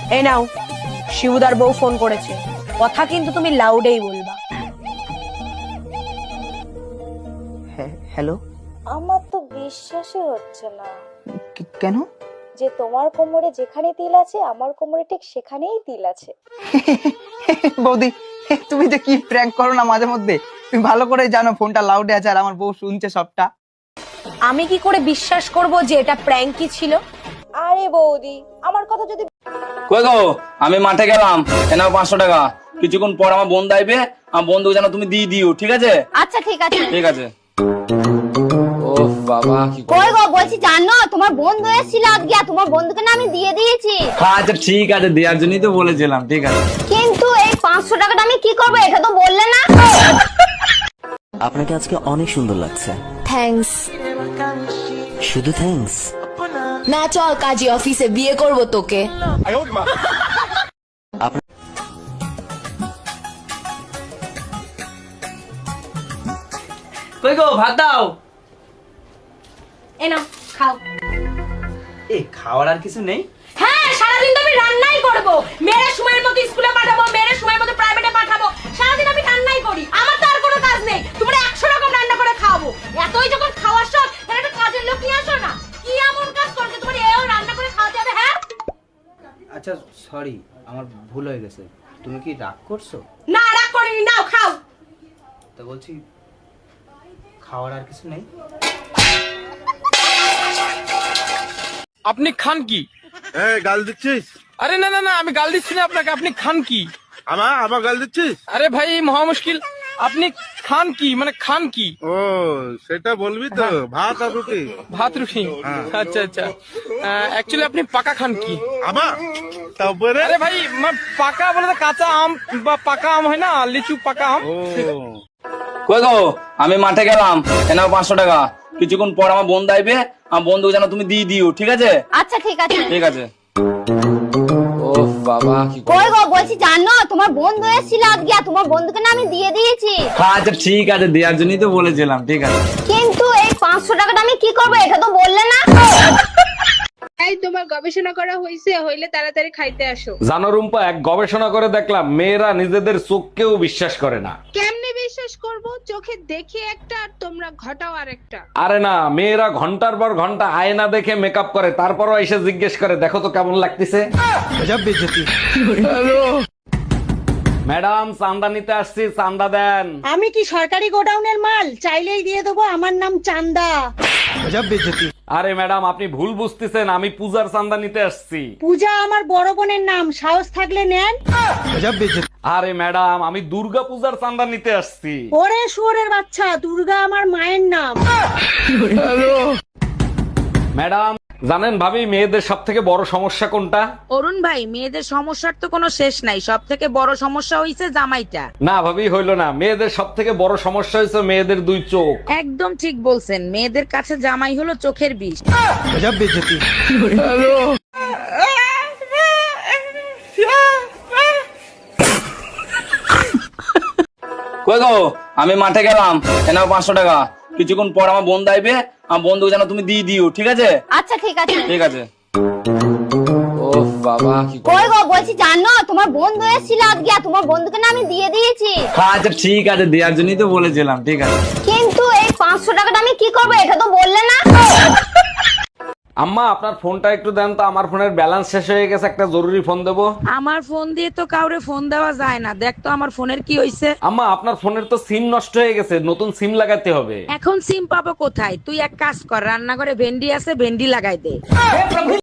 এই নাও, শিবুদার বউ ফোন করেছে, কথা কিন্তু তুমি লাউডেই বলবা। হ্যালো। আমার তো বিশ্বাসই হচ্ছে না কেন? যে তোমার কোমরে যেখানে তিল আছে আমার কোমরে ঠিক সেখানেই তিল আছে। বৌদি, তুমি যে কি প্র্যাঙ্ক করো না মাঝে মধ্যে, তুমি ভালো করে জানো ফোনটা লাউডে আছে আর আমার বউ শুনছে সবটা। আমি কি করে বিশ্বাস করব যে এটা প্র্যাঙ্কই ছিল? আরে বৌদি, আমার কথা যদি কই গো, আমি মাঠে গেলাম, এনাও 500 টাকা। কিছুক্ষণ পর আমার বন্ধু আইবে, আমার বন্ধুকে যেন তুমি দিয়ে দিও, ঠিক আছে? আচ্ছা ঠিক আছে। ঠিক আছে। ও বাবা, কি কই গো, বলছি জানো তোমার বন্ধু এসেছিল আজকে, আর তোমার বন্ধুকে না আমি দিয়ে দিয়েছি। আচ্ছা ঠিক আছে, দেওয়ার জন্যই তো বলেছিলাম, ঠিক আছে। কিন্তু এই 500 টাকাটা আমি কি করবো এটা তো বললে না। আপনাকে আজকে অনেক সুন্দর লাগছে। থ্যাঙ্কস। শুধু থ্যাঙ্কস? না, চল কাজী অফিসে, বিয়ে করব তোকে। কই গো, ভাত দাও। এই নাও, খাও। এ খাওয়ার আর কিছু নেই? হ্যাঁ, সারাদিন তো আমি রান্নাই করব। মেয়ের সময়ের মতো স্কুলে পাঠাবো, মেয়ের সময়ের মতো প্রাইভেটে পাঠাবো, সারাদিন আমি রান্নাই করি। আমার তো আর কোনো কাজ নেই। তোমরা 100 রকম রান্না করে খাওয়াবো। এতই যখন খাওয়ার শখ, তাহলে একটা কাজের লোক নিয়ে আসো না। কি এমন কাজ করছে তোমার এও রান্না করে খাওয়াতে হবে? হ্যাঁ, আচ্ছা সরি, আমার ভুল হয়ে গেছে। তুমি কি রাগ করছো? না, রাগ করিনি। নাও খাও। তো বলছি খাওয়ার আর কিছু নেই? আপনি খান কি? গাল দিচ্ছিস? আরে না না না, আমি গাল দিচ্ছি না আপনাকে। আপনি খান কি? আমার গাল দিচ্ছিস? আরে ভাই, মহা মুশকিল। আপনি খান কি, মানে খান কি? ও সেটা বলবি তো, ভাত আর রুটি। ভাত রুটি? আচ্ছা আচ্ছা। অ্যাকচুয়ালি আপনি পাকা খান কি? আমার তারপরে আরে ভাই, পাকা বলে তো কাঁচা আম বা পাকা আম হয় না, লিচু পাকা আম। ও কই গো, আমি মাঠে গেলাম, এনাও 500 টাকা। কিছুক্ষণ পর আমার বন্ধু আইবে, আমার বন্ধুকে যেন তুমি দিয়ে দিও, ঠিক আছে? আচ্ছা ঠিক আছে। ঠিক আছে। ও বাবা, কি কই গো, বলছি জানো তোমার বন্ধু এসেছিল আজকে, আর তোমার বন্ধুকে না আমি দিয়ে দিয়েছি। আচ্ছা ঠিক আছে, দেওয়ার জন্যই তো বলেছিলাম, ঠিক আছে। কিন্তু এই 500 টাকাটা আমি কি করবো এটা তো বললে না। এই তোমার গবেষণা করা হইছে, হইলে তাড়াতাড়ি খাইতে আসো। জানো রুম্পা, এক গবেষণা করে দেখলাম মেয়েরা নিজেদের চোখকেও বিশ্বাস করে না। কেমনে বিশ্বাস করব? চোখে দেখে একটা আর তোমরা ঘটাও আরেকটা। আরে না, মেয়েরা ঘন্টার পর ঘন্টা আয়না দেখে মেকআপ করে, তারপরও এসে জিজ্ঞেস করে দেখো তো কেমন লাগতেছে। ম্যাডাম, চান্দা নিতে আসছি, চান্দা দেন। আমি কি সরকারি গোডাউনের মাল? চাইলেই দিয়ে দেবো। আমার নাম চান্দা। আরে ম্যাডাম, আপনি ভুল বুঝতেছেন, আমি পূজার চান্দা নিতে আসছি। পূজা আমার বড় বোনের নাম, সাহস থাকলে নেন। আরে ম্যাডাম, আমি দুর্গা পূজার চান্দা নিতে আসছি। ওরে শুয়োরের বাচ্চা, দুর্গা আমার মায়ের নাম। ম্যাডাম জানেন ভাবি, মেয়েদের সব থেকে বড় সমস্যা কোনটা? অরুণ ভাই, মেয়েদের সমস্যার তো কোনো শেষ নাই, সব থেকে বড় সমস্যা হইছে জামাইটা। না ভাবি, হইল না। মেয়েদের সব থেকে বড় সমস্যা হয়েছে মেয়েদের 2 চোখ। একদম ঠিক বলছেন, মেয়েদের কাছে জামাই হলো চোখের বিষ। কই গো, আমি মাঠে গেলাম, এনাও 500 টাকা। কিছুক্ষণ পর আমার বন্ধু আইবে, আমার বন্ধুকে যেন তুমি দিয়ে দিও, ঠিক আছে? আচ্ছা ঠিক আছে। ঠিক আছে। ও বাবা, কি কই গো, বলছি জানো তোমার বন্ধু এসেছিল আজকে, আর তোমার বন্ধুকে না আমি দিয়ে দিয়েছি। আচ্ছা ঠিক আছে, দেওয়ার জন্যই তো বলেছিলাম, ঠিক আছে। কিন্তু এই 500 টাকাটা আমি কি করবো এটা তো বললে না। আম্মা, আপনার ফোনটা একটু দেন তো, আমার ফোনের ব্যালেন্স শেষ হয়ে গেছে, একটা জরুরি ফোন দেবো। আমার ফোন দিয়ে তো কাউরে ফোন দেওয়া যায় না, দেখ তো আমার ফোনের কি হইছে। আম্মা, আপনার ফোনের তো সিম নষ্ট হয়ে গেছে, নতুন সিম লাগাতে হবে। এখন সিম পাবো কোথায়? তুই এক কাজ কর, রান্নাঘরে ভেন্ডি আছে, ভেন্ডি লাগাই দে।